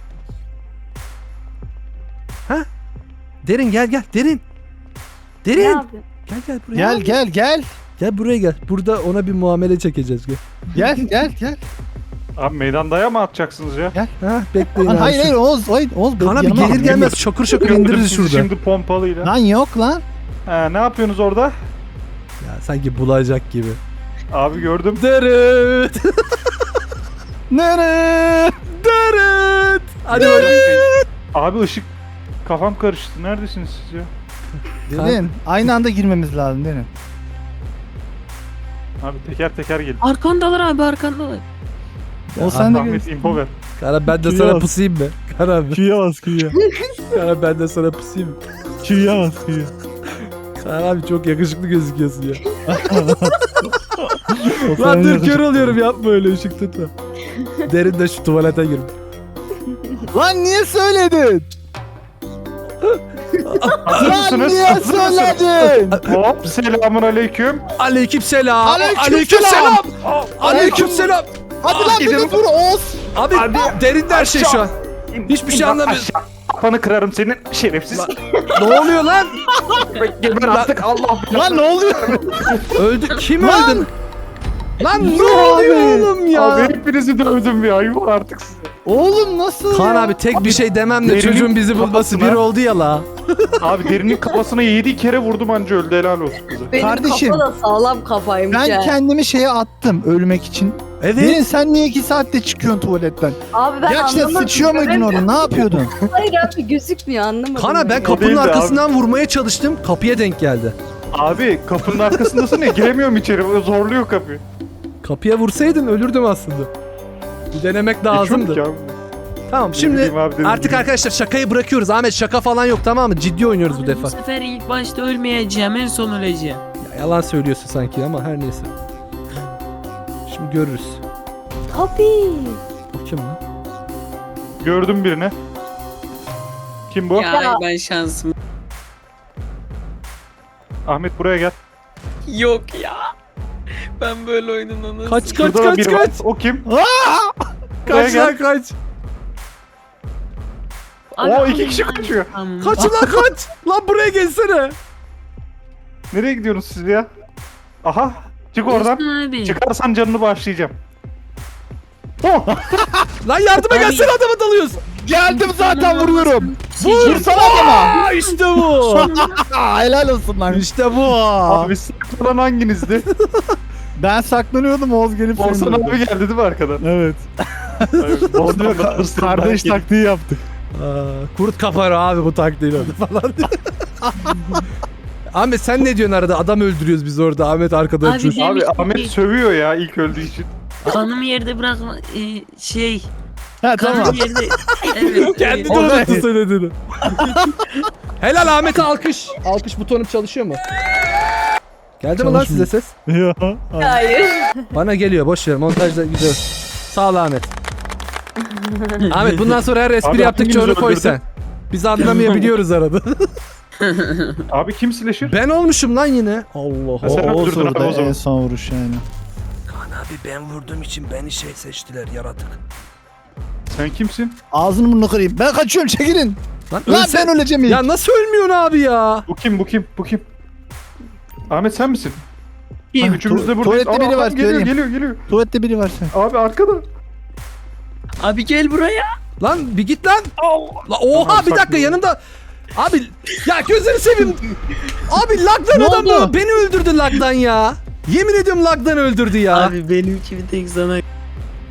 [SPEAKER 2] Ha? Derin gel gel. Derin.
[SPEAKER 5] ne
[SPEAKER 2] Derin.
[SPEAKER 5] yapıyorsun?
[SPEAKER 2] Gel gel buraya.
[SPEAKER 4] Gel gel gel.
[SPEAKER 2] Gel buraya gel. Burada ona bir muamele çekeceğiz. Gel.
[SPEAKER 4] Gel gel gel.
[SPEAKER 3] Abi meydandaya mı atacaksınız ya?
[SPEAKER 2] Ha bekleyin
[SPEAKER 4] Lan
[SPEAKER 2] abi.
[SPEAKER 4] hayır hayır Oğuz. Hayır Oğuz.
[SPEAKER 2] Kaan abi
[SPEAKER 4] yanıma
[SPEAKER 2] gelir
[SPEAKER 4] al.
[SPEAKER 2] gelmez şakır şakır
[SPEAKER 3] Gördüm
[SPEAKER 2] indiririz
[SPEAKER 3] sizi
[SPEAKER 2] şurada.
[SPEAKER 3] şimdi pompalıyla.
[SPEAKER 4] Lan yok lan.
[SPEAKER 3] Ha, ne yapıyorsunuz orada?
[SPEAKER 2] Ya sanki bulacak gibi.
[SPEAKER 3] Abi gördüm.
[SPEAKER 2] Dırıt.
[SPEAKER 4] Nere?
[SPEAKER 2] Dırıt. Hadi bakalım.
[SPEAKER 3] Abi ışık kafam karıştı. Neredesiniz siz ya?
[SPEAKER 4] Derin. Aynı anda girmemiz lazım Derin.
[SPEAKER 3] Abi teker teker gelin.
[SPEAKER 1] Arkandalar abi arkandalar.
[SPEAKER 4] O sen de
[SPEAKER 3] Ahmet
[SPEAKER 4] gel.
[SPEAKER 3] info ver.
[SPEAKER 2] Kara ben de
[SPEAKER 4] Kıyas.
[SPEAKER 2] sana pusayım mı? Kara abi.
[SPEAKER 4] Q'ya bas Q'ya.
[SPEAKER 2] Kara ben de sana pusayım mı?
[SPEAKER 4] Q'ya bas Q'ya.
[SPEAKER 2] Kara abi çok yakışıklı gözüküyorsun ya.
[SPEAKER 4] O
[SPEAKER 2] Lan
[SPEAKER 4] sen
[SPEAKER 2] dur
[SPEAKER 4] de-
[SPEAKER 2] kör oluyorum, yapma öyle, ışık tutma. Derin de şu tuvalete gir.
[SPEAKER 4] Lan niye söyledin?
[SPEAKER 3] Hazır
[SPEAKER 4] Lan
[SPEAKER 3] mısınız?
[SPEAKER 4] niye
[SPEAKER 3] Hazır mısınız?
[SPEAKER 4] söyledin?
[SPEAKER 3] Hop selamun aleyküm.
[SPEAKER 2] Aleyküm selam.
[SPEAKER 4] Aleyküm
[SPEAKER 2] selam.
[SPEAKER 3] Aa,
[SPEAKER 2] Aleyküm selam.
[SPEAKER 4] Hadi lan
[SPEAKER 3] Gidin.
[SPEAKER 4] beni vur Oğuz.
[SPEAKER 2] Abi
[SPEAKER 3] Hadi.
[SPEAKER 2] derin de her şey şu an. Hiçbir şey
[SPEAKER 3] İn-
[SPEAKER 2] anlamıyorum.
[SPEAKER 3] aşağı. Kafanı kırarım senin şerefsiz.
[SPEAKER 2] Ne oluyor lan?
[SPEAKER 3] Geber artık Allah.
[SPEAKER 4] Lan ne oluyor?
[SPEAKER 2] Öldü. Kim
[SPEAKER 4] Lan!
[SPEAKER 2] öldü? Lan ne
[SPEAKER 4] Yuh
[SPEAKER 2] oluyor
[SPEAKER 4] abi.
[SPEAKER 2] oğlum ya?
[SPEAKER 3] Abi hepinizi dövdüm ya. Yuh artık size.
[SPEAKER 4] Oğlum nasıl
[SPEAKER 2] Kaan
[SPEAKER 4] ya?
[SPEAKER 2] abi tek bir şey demem de
[SPEAKER 3] Derinin
[SPEAKER 2] çocuğun bizi bulması
[SPEAKER 3] kafasına-
[SPEAKER 2] bir oldu ya la.
[SPEAKER 3] Abi derinin kafasına yedi kere vurdum anca öldü, helal olsun bize.
[SPEAKER 5] Benim
[SPEAKER 4] Kardeşim,
[SPEAKER 5] kafa da sağlam kafaymış
[SPEAKER 4] Ben
[SPEAKER 5] ya.
[SPEAKER 4] kendimi şeye attım ölmek için. Derin
[SPEAKER 2] Evet.
[SPEAKER 4] sen niye iki saatte çıkıyorsun tuvaletten?
[SPEAKER 5] Abi ben
[SPEAKER 4] Gerçekten
[SPEAKER 5] anlamadım.
[SPEAKER 4] sıçıyor muydun orada? Ne yapıyordun?
[SPEAKER 5] Hayır abi gözükmüyor anlamadım.
[SPEAKER 2] Kaan abi ben
[SPEAKER 5] ya.
[SPEAKER 2] kapının
[SPEAKER 3] değildi
[SPEAKER 2] arkasından vurmaya çalıştım. Kapıya denk geldi.
[SPEAKER 3] Abi kapının arkasındasın ya, giremiyorum içeri, zorluyor kapıyı.
[SPEAKER 2] Kapıya vursaydın ölürdüm aslında. Bir denemek lazımdı.
[SPEAKER 3] Geçiyorduk ya.
[SPEAKER 2] Tamam
[SPEAKER 3] Ne
[SPEAKER 2] şimdi
[SPEAKER 3] bileyim abi, dedim
[SPEAKER 2] artık
[SPEAKER 3] gibi.
[SPEAKER 2] arkadaşlar şakayı bırakıyoruz. Ahmet şaka falan yok, tamam mı? Ciddi oynuyoruz bu
[SPEAKER 1] Abi
[SPEAKER 2] defa.
[SPEAKER 1] bu sefer ilk başta ölmeyeceğim en son öleceğim.
[SPEAKER 2] Ya, yalan söylüyorsun sanki ama her neyse. Şimdi görürüz.
[SPEAKER 5] Tabii.
[SPEAKER 2] O kim lan?
[SPEAKER 3] Gördüm birini. Kim bu?
[SPEAKER 1] Ya,
[SPEAKER 5] Ya.
[SPEAKER 1] ben şansım
[SPEAKER 3] Ahmet buraya gel.
[SPEAKER 1] yok ya. Ben böyle oyunun nasıl...
[SPEAKER 2] Kaç kaç
[SPEAKER 3] Şurada da
[SPEAKER 2] kaç
[SPEAKER 3] biri
[SPEAKER 2] kaç.
[SPEAKER 3] var. O kim?
[SPEAKER 2] Kaç
[SPEAKER 3] gel.
[SPEAKER 2] lan kaç.
[SPEAKER 1] Abi,
[SPEAKER 3] Oo,
[SPEAKER 1] abi,
[SPEAKER 3] iki kişi
[SPEAKER 1] ben-
[SPEAKER 3] kaçıyor.
[SPEAKER 1] Tamam.
[SPEAKER 2] Kaç lan kaç. Lan buraya gelsene.
[SPEAKER 3] Nereye gidiyorsunuz siz ya? Aha. Çık oradan.
[SPEAKER 1] Olsun abi.
[SPEAKER 3] Çıkarsan canını bağışlayacağım. Oh!
[SPEAKER 2] Lan yardıma
[SPEAKER 1] Abi.
[SPEAKER 2] gelsene, adama dalıyoruz.
[SPEAKER 4] Geldim zaten vuruyorum.
[SPEAKER 1] Vur.
[SPEAKER 4] Vursana adama.
[SPEAKER 2] Aa işte bu.
[SPEAKER 4] Aa, helal olsun lan.
[SPEAKER 2] işte bu.
[SPEAKER 3] Abi saklanan hanginizdi?
[SPEAKER 4] Ben saklanıyordum Oğuz gelip seni
[SPEAKER 3] Olsan
[SPEAKER 4] vurdu.
[SPEAKER 3] abi geldi değil mi arkadan?
[SPEAKER 4] Evet.
[SPEAKER 3] Evet, Volkan da arasında
[SPEAKER 4] Kardeş
[SPEAKER 3] geldi.
[SPEAKER 4] taktiği yaptık.
[SPEAKER 2] Aa, kurt kapar abi bu taktiğiyle falan. Ahmet sen ne diyorsun arada? Adam öldürüyoruz biz orada. Ahmet arkada
[SPEAKER 1] Abi
[SPEAKER 2] öpüyor.
[SPEAKER 1] de-
[SPEAKER 3] Abi
[SPEAKER 1] Demiştim
[SPEAKER 3] Ahmet
[SPEAKER 1] ki-
[SPEAKER 3] sövüyor ya ilk öldüğü için.
[SPEAKER 1] Kanımı yerde bırakma e, şey.
[SPEAKER 4] Ha
[SPEAKER 1] Kanımı
[SPEAKER 4] tamam.
[SPEAKER 1] yerde. Evet.
[SPEAKER 2] Kendi de
[SPEAKER 1] evet.
[SPEAKER 4] Olay.
[SPEAKER 2] unuttu söylediğini. Helal Ahmet'e alkış. Alkış butonum çalışıyor mu? Geldi mi lan size ses?
[SPEAKER 4] Yok.
[SPEAKER 5] Hayır.
[SPEAKER 2] Bana geliyor, boş ver, montajda gidiyor. Sağ ol Ahmet. Ahmet bundan sonra her espri
[SPEAKER 3] Abi,
[SPEAKER 2] yaptıkça
[SPEAKER 3] hangimizi
[SPEAKER 2] onu koy
[SPEAKER 3] öldürdün?
[SPEAKER 2] sen. Biz anlamayabiliyoruz arada.
[SPEAKER 3] Abi kim slasher?
[SPEAKER 2] Ben olmuşum lan yine. Allah
[SPEAKER 3] Ha, sen
[SPEAKER 2] Allah.
[SPEAKER 4] Oğuz
[SPEAKER 3] öldürdün abi
[SPEAKER 4] orada
[SPEAKER 3] o zaman.
[SPEAKER 4] en son vuruş yani.
[SPEAKER 2] Kaan abi ben vurduğum için beni şey seçtiler, yaratık.
[SPEAKER 3] Sen kimsin?
[SPEAKER 4] Ağzını burnunu kırayım. Ben kaçıyorum çekilin.
[SPEAKER 2] Lan,
[SPEAKER 4] Lan
[SPEAKER 2] ölsen-
[SPEAKER 4] ben öleceğim ilk.
[SPEAKER 2] Ya nasıl ölmüyorsun abi ya?
[SPEAKER 3] Bu kim bu kim bu kim? Ahmet sen misin?
[SPEAKER 1] Kim?
[SPEAKER 3] Üçümüz de
[SPEAKER 4] Tu-
[SPEAKER 3] buradayız.
[SPEAKER 4] tuvalette
[SPEAKER 3] Aa,
[SPEAKER 4] biri var,
[SPEAKER 3] adam geliyor
[SPEAKER 4] söyleyeyim.
[SPEAKER 3] geliyor geliyor.
[SPEAKER 4] Tuvalette biri var sen.
[SPEAKER 3] Abi arkada.
[SPEAKER 1] Abi gel buraya.
[SPEAKER 2] Lan bir git lan. La, oha
[SPEAKER 3] Tamam,
[SPEAKER 2] bir dakika
[SPEAKER 3] saklıyorum.
[SPEAKER 2] yanımda. Abi ya gözünü seveyim. Abi lagdan
[SPEAKER 4] Ne
[SPEAKER 2] adam
[SPEAKER 4] oldu?
[SPEAKER 2] bu. Beni öldürdü lagdan ya. Yemin ediyorum lagdan öldürdü ya.
[SPEAKER 1] Abi benimki bir tek sana.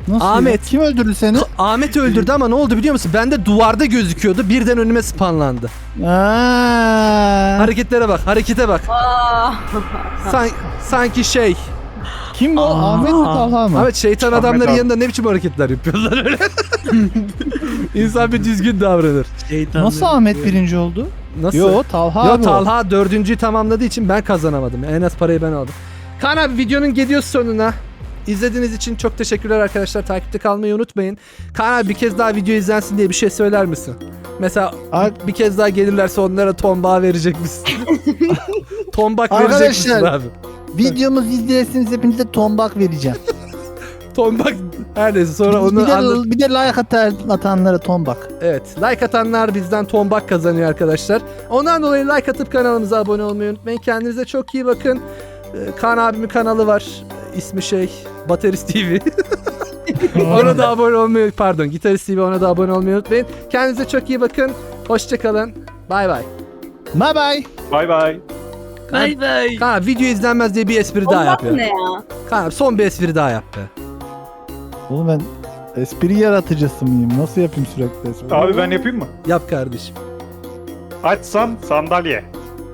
[SPEAKER 4] Nasıl
[SPEAKER 2] Ahmet.
[SPEAKER 4] ya? Kim öldürdü seni?
[SPEAKER 2] Ahmet öldürdü ama ne oldu biliyor musun? Bende duvarda gözüküyordu. Birden önüme spanlandı.
[SPEAKER 4] Aa,
[SPEAKER 2] Hareketlere bak, harekete bak.
[SPEAKER 5] Aa.
[SPEAKER 2] San- sanki şey.
[SPEAKER 4] kim bu?
[SPEAKER 1] Aa.
[SPEAKER 4] Ahmet mi Talha mı?
[SPEAKER 2] Ahmet şeytan
[SPEAKER 3] Ahmet
[SPEAKER 2] adamların
[SPEAKER 3] abi.
[SPEAKER 2] yanında ne biçim hareketler yapıyorlar öyle. İnsan bir düzgün davranır.
[SPEAKER 1] Şeytanları
[SPEAKER 4] Nasıl Ahmet birinci oldu?
[SPEAKER 2] Nasıl?
[SPEAKER 4] Yo Talha
[SPEAKER 2] Yo
[SPEAKER 4] abi o.
[SPEAKER 2] Talha dördüncüyü tamamladığı için ben kazanamadım. En az parayı ben aldım. Kaan abi videonun geliyoruz sonuna. İzlediğiniz için çok teşekkürler arkadaşlar. Takipte kalmayı unutmayın. Kaan abi bir kez daha video izlensin diye bir şey söyler misin? Mesela
[SPEAKER 4] Ar-
[SPEAKER 2] bir kez daha gelirlerse onlara tombağı verecek misin? Tombak verecek misin
[SPEAKER 4] Arkadaşlar,
[SPEAKER 2] abi?
[SPEAKER 4] Videomuzu izlersiniz hepinize tombak vereceğim.
[SPEAKER 2] Tombak her neyse sonra
[SPEAKER 4] bir,
[SPEAKER 2] onu
[SPEAKER 4] de,
[SPEAKER 2] anlat.
[SPEAKER 4] bir de like atar, atanlara tombak.
[SPEAKER 2] Evet, like atanlar bizden tombak kazanıyor arkadaşlar. Ondan dolayı like atıp kanalımıza abone olmayı unutmayın. Kendinize çok iyi bakın. Ee, Kaan abimin kanalı var. Ee, İsmi şey Baterist T V. Ona da abone olmayı pardon Gitarist T V, ona da abone olmayı unutmayın. Kendinize çok iyi bakın. Hoşçakalın. Bay bay.
[SPEAKER 4] Bye bye.
[SPEAKER 3] Bay bay.
[SPEAKER 1] Bay bay.
[SPEAKER 2] Kaan abi video izlenmez diye bir espri daha
[SPEAKER 5] Allah
[SPEAKER 2] yap ya.
[SPEAKER 5] ne ya?
[SPEAKER 2] Kaan abi son bir espri daha yap be.
[SPEAKER 4] Oğlum ben espri yaratıcısı mıyım? Nasıl yapayım sürekli espri?
[SPEAKER 3] Abi ben yapayım mı?
[SPEAKER 2] Yap kardeşim.
[SPEAKER 3] Açsam sandalye.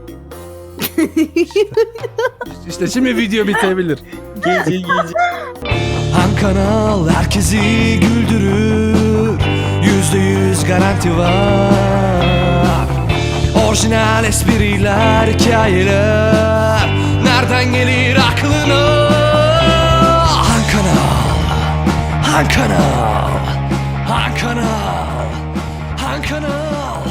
[SPEAKER 2] İşte şimdi video bitebilir.
[SPEAKER 1] Gece gece.
[SPEAKER 2] Han kanal herkesi güldürür. Yüzde yüz garanti var. Orijinal espriler, hikayeler. Nereden gelir aklına? Han kanal, Han kanal, Han kanal.